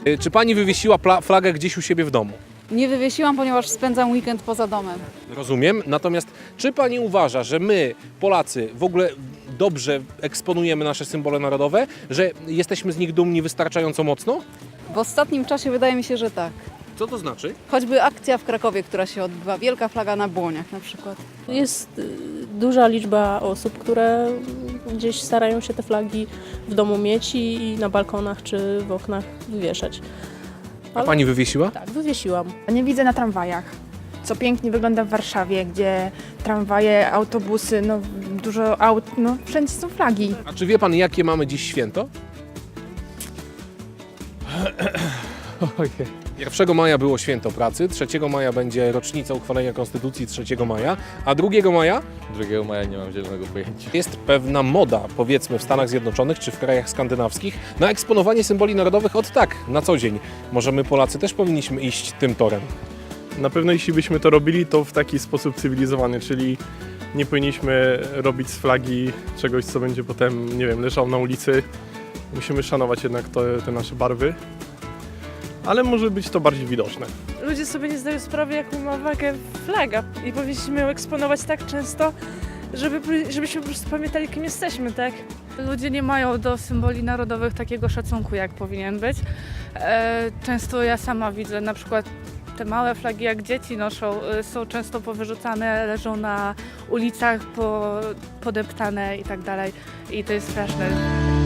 Czy pani wywiesiła flagę gdzieś u siebie w domu? Nie wywiesiłam, ponieważ spędzam weekend poza domem. Rozumiem. Natomiast czy pani uważa, że my, Polacy, w ogóle dobrze eksponujemy nasze symbole narodowe, że jesteśmy z nich dumni wystarczająco mocno? W ostatnim czasie wydaje mi się, że tak. Co to znaczy? Choćby akcja w Krakowie, która się odbywa, wielka flaga na błoniach na przykład. Jest duża liczba osób, które gdzieś starają się te flagi w domu mieć i na balkonach czy w oknach wywieszać. A pani wywiesiła? Tak, wywiesiłam. Nie widzę na tramwajach, co pięknie wygląda w Warszawie, gdzie tramwaje, autobusy, no dużo aut, no wszędzie są flagi. A czy wie pan, jakie mamy dziś święto? 1 maja było święto pracy, 3 maja będzie rocznica uchwalenia Konstytucji 3 maja, a 2 maja 2 maja nie mam zielonego pojęcia. jest pewna moda, powiedzmy w Stanach Zjednoczonych czy w krajach skandynawskich, na eksponowanie symboli narodowych od tak, na co dzień. Może my Polacy też powinniśmy iść tym torem. Na pewno jeśli byśmy to robili, to w taki sposób cywilizowany, czyli nie powinniśmy robić z flagi czegoś, co będzie potem, nie wiem, leżało na ulicy. Musimy szanować jednak te nasze barwy, ale może być to bardziej widoczne. Ludzie sobie nie zdają sprawy, jaką ma wagę flaga i powinniśmy ją eksponować tak często, żebyśmy po prostu pamiętali, kim jesteśmy, tak? Ludzie nie mają do symboli narodowych takiego szacunku, jak powinien być. Często ja sama widzę, na przykład te małe flagi, jak dzieci noszą, są często powyrzucane, leżą na ulicach, podeptane i tak dalej. I to jest straszne.